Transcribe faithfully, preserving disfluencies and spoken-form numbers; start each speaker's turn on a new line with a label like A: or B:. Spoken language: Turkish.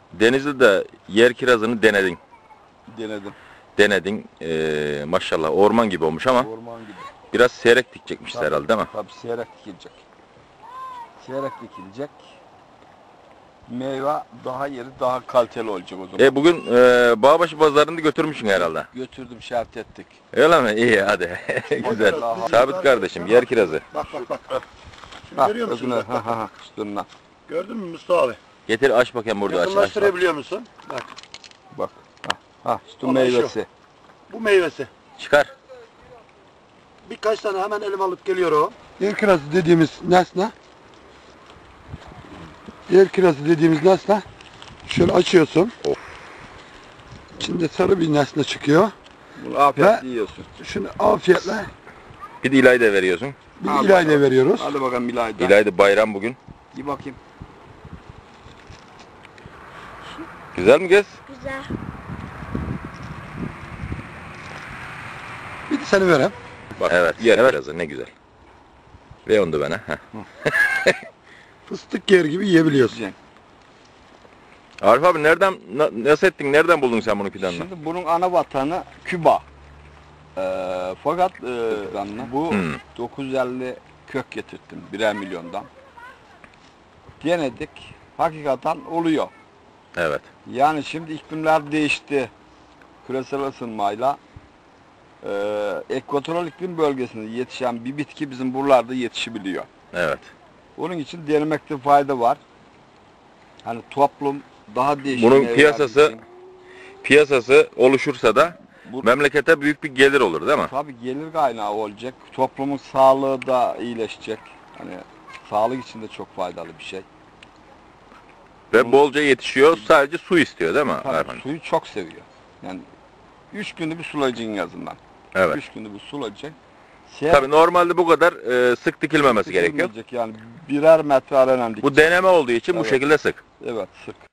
A: Denizli'de yer kirazını denedin.
B: Denedim.
A: Denedin. Ee, maşallah orman gibi olmuş ama
B: Orman gibi.
A: biraz seyrek dikecekmiş
B: Tabii,
A: herhalde değil mi?
B: Tabii seyrek dikilecek. Seyrek dikilecek. Meyve daha yeri daha kaliteli olacak o zaman.
A: E bugün e, Bağbaşı pazarını götürmüşsün herhalde.
B: Götürdüm, şart ettik.
A: Öyle mi? İyi hadi. Güzel. Sabit kardeşim yer kirazı.
C: Bak bak bak. Şunu
B: Ha,
C: görüyor musun?
B: özüne,
C: Bak,
B: ha ha ha, üstünden.
C: gördün mü Mustafa abi?
A: Getir aç bakayım burada aç. aç bak.
C: Yakınlaştırabiliyor musun? Bak.
B: Bak. Ha, ha üstü
C: Olay şu.
B: meyvesi.
C: Bu meyvesi.
A: Çıkar.
C: Birkaç tane hemen elim alıp geliyor o.
D: Yer kirazı dediğimiz nesne, yer kirazı dediğimiz nesne, şöyle açıyorsun.
A: Of.
D: İçinde sarı bir nesne çıkıyor.
B: Bunu afiyetle
D: Ve-
B: yiyorsun.
D: Şunu afiyetle
A: Bir de İlayda veriyorsun.
D: bir
B: Al
D: ilayla
B: bakalım.
D: veriyoruz.
B: Hadi bakalım İlayda.
A: İlayda bayram bugün.
B: Bir bakayım.
A: Güzel mi Gez?
E: Güzel.
D: Bir de seni vereyim.
A: Bak, evet yer kirazı ne güzel. Ve onu da bana. Heh.
D: Fıstık yer gibi yiyebiliyorsun.
B: Güzel.
A: Arif abi nereden na- nasıl ettin? Nereden buldun sen bunu fidanını?
B: Şimdi bunun ana vatanı Küba. Ee, fakat e, bu
A: Hmm.
B: dokuz yüz elli kök getirttim birer milyondan. Denedik. Hakikaten oluyor.
A: Evet.
B: Yani şimdi iklimler değişti. Küresel ısınmayla e, ekvatoral iklim bölgesinde yetişen bir bitki bizim buralarda yetişebiliyor.
A: Evet.
B: Onun için denemekte fayda var. Hani toplum daha değişik
A: Bunun
B: meyveler
A: piyasası-
B: için-
A: Piyasası oluşursa da
B: Bu-
A: memlekete büyük bir gelir olur değil mi?
B: Tabii gelir kaynağı olacak. Toplumun sağlığı da iyileşecek. Hani sağlık için de çok faydalı bir şey.
A: Ve bolca yetişiyor. Sadece su istiyor değil mi?
B: Tabii
A: Erhan?
B: suyu çok seviyor. Yani üç günde bir sulayacaksın yazından.
A: Evet.
B: Üç günde bir sulayacaksın. Seyahat
A: Tabii normalde bu kadar e, sık dikilmemesi gerekiyor.
B: edilmeyecek Yani birer metre aradan dik.
A: Bu deneme olduğu için bu
B: Evet.
A: şekilde sık.
B: Evet sık.